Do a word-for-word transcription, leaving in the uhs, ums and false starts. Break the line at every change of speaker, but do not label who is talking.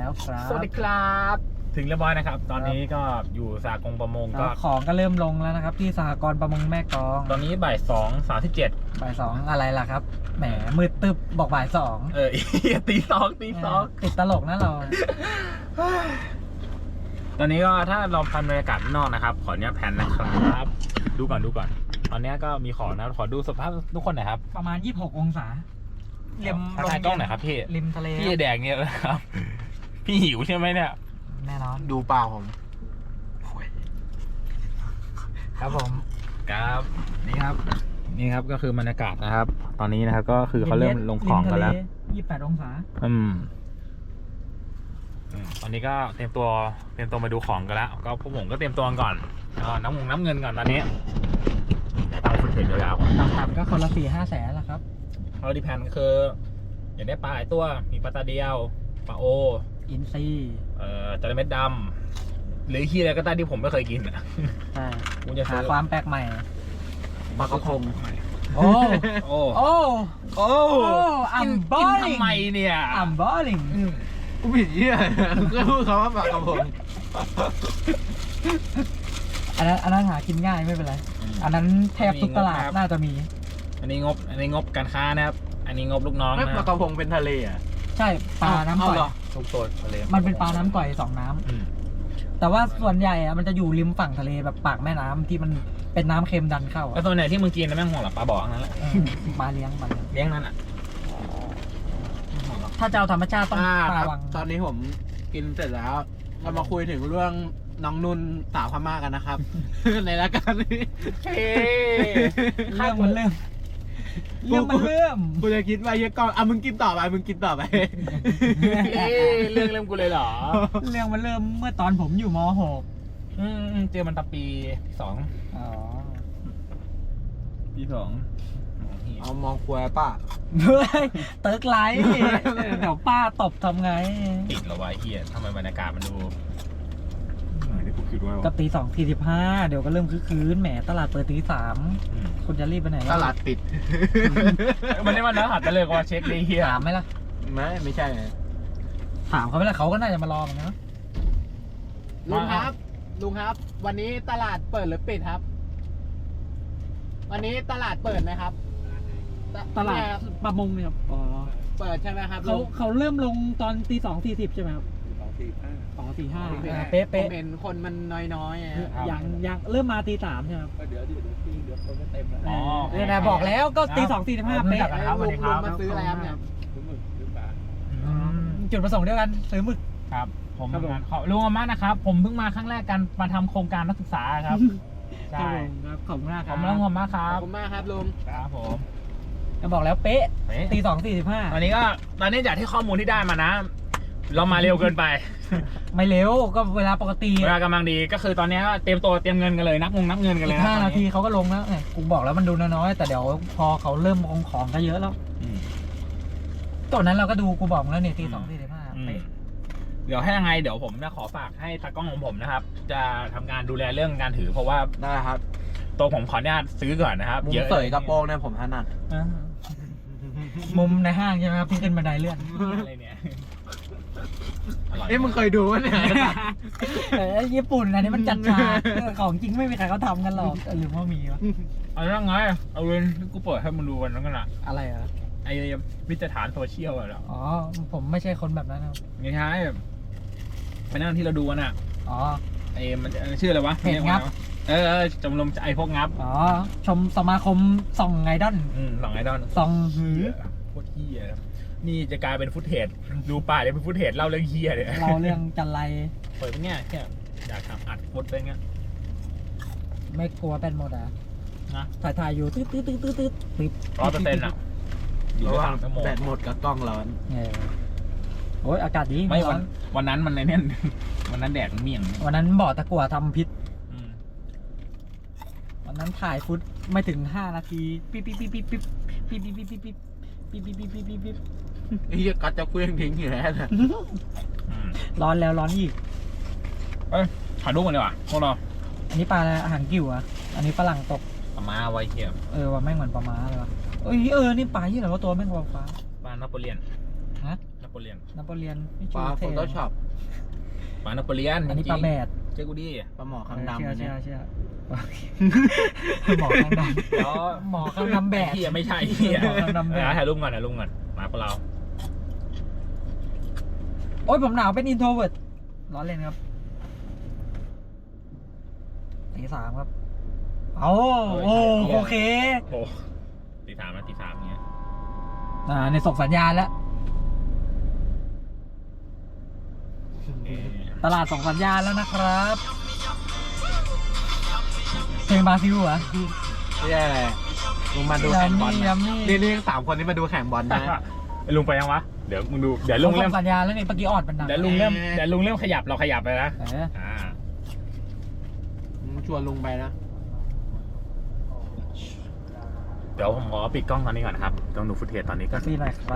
แล้วครับ
สวัสดีครับถึงเรียบร้อยนะครับตอนนี้ก็อยู่สากงประมงก็
ของก็เริ่มลงแล้วนะครับที่สหกรณ์ประมงแม่กลอง
ตอนนี้บ่ายสองสามสิบเจ็ด
บ่ายสองอะไรล่ะครับแหมมืดตึบบอกบ่ายสอง
เออ ตีสองตีสอง
ติดตลกนะเรา
ตอนนี้ก็ถ้าเราพันบรรยากาศข้างนอกนะครับขออนุญาตแพนนะครับดูก่อนดูก่อน ตอนนี้ก็มีของนะขอดูสภาพทุกคนหน่อยครับ
ประมาณยี่สิบหกองศาริม
ถ่ายกล้องหน่อยครับพี่
ริมทะเล
พี่แดงเนี่ยนะครับ พี่หิวใช่ไหมเนี่ย
แน่นอน
ดูเปล่าผม
ครับผม
ครับนี่ครับ นี่ครับก็คือบรรยากาศนะครับ ตอนนี้นะครับก็คือเขาเริ่มลงของกันแล้ว
ยี่สิบแปดองศา
อืมอืมตอนนี้ก็เตรียมตัวเตรียมตัวมาดูของกันแล้ว ก็พวกผมก็เตรียมตัวก่อนอ่าน้ำมงน้ำเงินก่อนตอนนี้ตั้งฟุตเทจยาวๆ
ต่ำๆก็คนละสี่ห้าแสนละครับ
เราดิแพนก็คือ อยากได้ปลาหลายตัวมีปลาตาเดียวปลาโอ
อินซี
เอ่อจระเม็ดดำหรือขี้อะไรก็ได้ที่ผมไม่เคยกินอ่ะ
ใช่
ผมจะ
หา
ซื้อ
ความแปลกใหม่
ปลากระพง
โอ้
โอ้
โอ้
โอ้
อัมบ
กิ
อน ลิง
ทำไมเนี่ย
อัมบอลิง
อืม
กูผิดเยี่ยก็พูดคำว่าปลากระพง
อันนั้นอันนั้นหากินง่ายไม่เป็นไร อันนั้นแทบทุกตลาดน่าจะมี
อันนี้งบ อันนี้งบการค้านะครับ อันนี้งบลูกน้อง
ไม่
นะ
ปลากระพงเป็นทะเลอ่ะ
ใช่ปลาน้ำก่อย
เอาเหรอ
ทุกโซนทะเล
มันเป็นปลาน้ำก่อยสองน้ำ
อืม
แต่ว่าส่วนใหญ่อะมันจะอยู่ริมฝั่งทะเลแบบปากแม่น้ำที่มันเป็นน้ำเค็มดันเข้า
แล้ว
อะ
ส่วนไหนที่มึงกินนะแม่งห่วงหลับปลาบอกนั่นแหละ
เออปลาเลี้ยงปลาเลี้ยง
เลี้ยงนั่นอ่ะ
ถ้าจะเอาธรรมชาติต้อง
อ่า
ปลา
ครับ
วัง
ตอนนี้ผมกินเสร็จแล้วเรามาคุยถึงเรื่องน้องนุ่นสาวพม่ากันนะครับ ในรายการนี้
เฮ้
เรื่องมันเริ่มเรื่องมันเริ่ม
กูจะคิดว่าเฮียกล้องอ่ะมึงกินต่อไปมึงกินต่อไป
เรื่องเริ่มกูเลยเหรอ
เรื่องมันเริ่มเมื่อตอนผมอยู่ม .หก
อืมเจอมันตะปีสอง
อ๋อ
ปีสอง
เอามองควยป้า
เฮ้ยเติร์กไลท์เดี๋ยวป้าตบทำไง
ติดเหรอวะไอ้เฮียทำไมบรรยากาศมันดูที่กูคิดว่า
ก็ตีสองสี่สิบห้าเดี๋ยวก็เริ่มคึกคืนแหมตลาดเปิดตีสามคุณจะรีบไปไหน
ตลาดปิด
มันนี่มันนะหัดไปเลยว่าเช็คเลยเฮีย
ถามไหมล่ะ
ไม่ไม่ใช่
ถามเขาไหมล่ะเขาก็น่าจะมารอเหมือนกันนะ
ลุงครับ ลุงครับ วันนี้ตลาดเปิดหรือปิดครับ วันนี้ตลาดเปิดไหมครับ
ตลาด
เนี่ย
ประมงเนี่ยครับอ๋อ
เปิดใช่ไหมครับ
เขา
ลุง
เขาเริ่มลงตอนตีสองสี่สิบใช่ไหมครับสองสี่ห้าสองสี่ห้า
ผม
เป๊ะเป๊ะ
เห็นคนมันน้อยๆอะ
ยังยังเริ่มมาตีสามใช่ไหมครับ
เดี๋ยวเดี๋ยวเดี๋ยวคนก็เต็มแล้ว
อ๋อ
เนี่ยนะบอกแล้วก็ตีสองสี่สิบห้าเป๊ะ
ครับสวัสดีครับ
ลุงมาซื้ออะไรครับเนี่ย
อืมจุดประสงค์เดียวกันซื้อหมึก
ครับ ผม
ครับผม
ขอลุงอาม่านะครับ ผมเพิ่งมาครั้งแรกกันมาทำโครงการนักศึกษาครับ ใช่
ครับขอบคุณมาก
ข
ค
อ
รั
บบ คุณลุงอาม่าค
ข
รั
อบบ คุณมากครับลุง
ครับผม
ก็บอกแล้วเป๊ะ
เฮ้ย
ตีสองสี่สิบห้า
ตอนนี้ก็ตอนนี้จากที่ข้อมูลที่ได้มานะ เรามาเร็วเกินไป
ไม่เร็วก็เวลาปกติ
เวลากำลังดีก็คือตอนนี้ก็เตรียมตัวเตรียมเงินกันเลยนับงงนับเงินกันเล
อี
ย
ก
นะ
ห้า
ตอน
นาที
นี้
เขาก็ลงแล้วเนี่ยกูบอกแล้วมันดูน้อยๆแต่เดี๋ยวพอเขาเริ่มลงของก็เยอะแล้ว
อืม
ตอนนั้นเราก็ดูกูบอกมึงแล้วเนี่ยตีสองสี่สิบห้า
อืม
เป๊ะ
เดี๋ยวให้ยังไงเดี๋ยวผมจะขอฝากให้ตากล้องของผมนะครับ จะทำการดูแลเรื่องการถือ เพราะว่า
ได้ครับ
ตัวผมขออนุญาตซื้อก่อนนะครับ
มุม
เยอะ
เสยกระโปรงเนี่ยผมถนัด
อ่ามุมในห้างใช่ไหมครับที่ขึ้นบันไดเลื่อน
อะไรเนี่ยอร่อย
เอ้ยมึงเคยดูวะเนี่ย
แต่ญี่ปุ่นอันนี้มันจัดฉากของจริงไม่มีใครเขาทำกันหรอกหรือว่ามีวะ
เอาเรื่องไงเอาเรื่องที่กูเปิดให้มึงดูวันนั้นกันละ
อะไรอ่ะ
ไอ้วิจารฐานโซเชียลอะเหรอ
อ๋อผมไม่ใช่คนแบบนั้นครับ
ไม่ใช่ไปนั่งที่เราดูกันอะ
อ๋อ
ไอ้มันชื่ออะไรวะ
เพจงับ
เออเออชมรมไอ้พวกงับ
อ๋อชมสมาคมส่องไงดอน
อืมสองไอดอล
ส่องหือ
โคตรเฮียนี่จะกลายเป็นฟุตเทจดูป่าเลยเป็นฟุตเทจเล่าเรื่องเฮียเลย
เราเรื่องจันไร
เปิดเป็นเงี้ยแค่อยากทำอัดฟดไปเงี้ย
ไม่กลัวเป็นหมดอ่ะ
นะ
ถ่ายถ่ายอยู่ตืดตืดตืดตืดตืดปิด
ร้อยเปอร์เซ็นต์อะอยู่
ระห
ได้
ว่าง
สามชั่วโมง
แบตหมดกับกล้องร้อน
เออโอ้ยอากาศดี
ไม่
ร้
วั
อน น
วันนั้นมันในเนี่ยวันนั้นแดดมันเมี่ยง
วันนั้นบ่อตะกั่วทำพิษ
อืม
วันนั้นถ่ายฟุตไม่ถึงห้านาทีปิ๊บปิ๊บปิ๊บปิ๊บปิ๊บปิ๊บปิ๊บปิ๊บปิ๊บปิ๊บปิ๊บปิ๊บปิ๊บปิ๊บปิ๊บ
ไอ้เหี้ยกัดจะเคลื่องทิ้งอยู่แล้วนะ
อืม
ร้อนแล้วร้อนอีก
เอ้ยถ่ายรูปกันดีกว่าพวกเรา
อันนี้ปลาอะไรอาหารกิ่วอ่ะอันนี้ฝรั่งตก
เอามาไว้เทียม
เออว่าแม่งเหมือนปลาม้าเลยวะเอ้ยเออนี่ปลาที่ไหนว่าตัวแม่งวาฟ้า
บ้านนโปเลียน
ฮะ
นโปเลียน
นโปเลียนพี่
ป
ชู
ลา
เท่
โฟโต้ช็อป
ปลานโปเลียน
อันนี้
จริงๆ
ปลาแบด
เจ้ากูดิ
ปลาหมอคางดำ
เชื่อ
อัน
เชื่
เนี่
อย เชื่อหมอข้างดำ
เดี๋ยว
หมอข้างดำแบด
เฮียไม่ใช่เฮีย
หมอข้างดำแบด
ถ่ายรูปก่อนถ่ายรูปก่อนมาพวกเรา
โอ้ยผมหนาวเป็นอินโทรเวิร์ดร้อนเล่นครับตีสามครับเอาโอ้โอเค
โอ้ตีสามนะตีสามเงี้ย
อ่าในส่งสัญญาณแล้ว
เอ่อ
ตลาดส่งสัญญาณแล้วนะครับเพลงบราซิลเหรอ
นี่อะไรลุงมาดูแข่งบอล
ยั
นะ
มมี่
นี่นี่สามคนนี้มาดูแข่งบอลนะ
ไอ้ลุงไปยังวะเดี๋ยวมึงดูเดี๋ยว
เขา
ลุง
ส่
เริ่ม
งสัญญาณแล้วนี่เมื่อกี้ออดมันดัง
เดี๋ยวลุงเริ่มเดี๋ยวลุงเริ่มขยับเราขยับไปนะ
เออ
อ่า
ชวนลุงไปนะ
เดี๋ยวผมขอปิดกล้องตอนนี้ก่อนนะครับต้องดูฟุตเทจตอนนี้ก่
กา
อน
แฟหน่อยครับ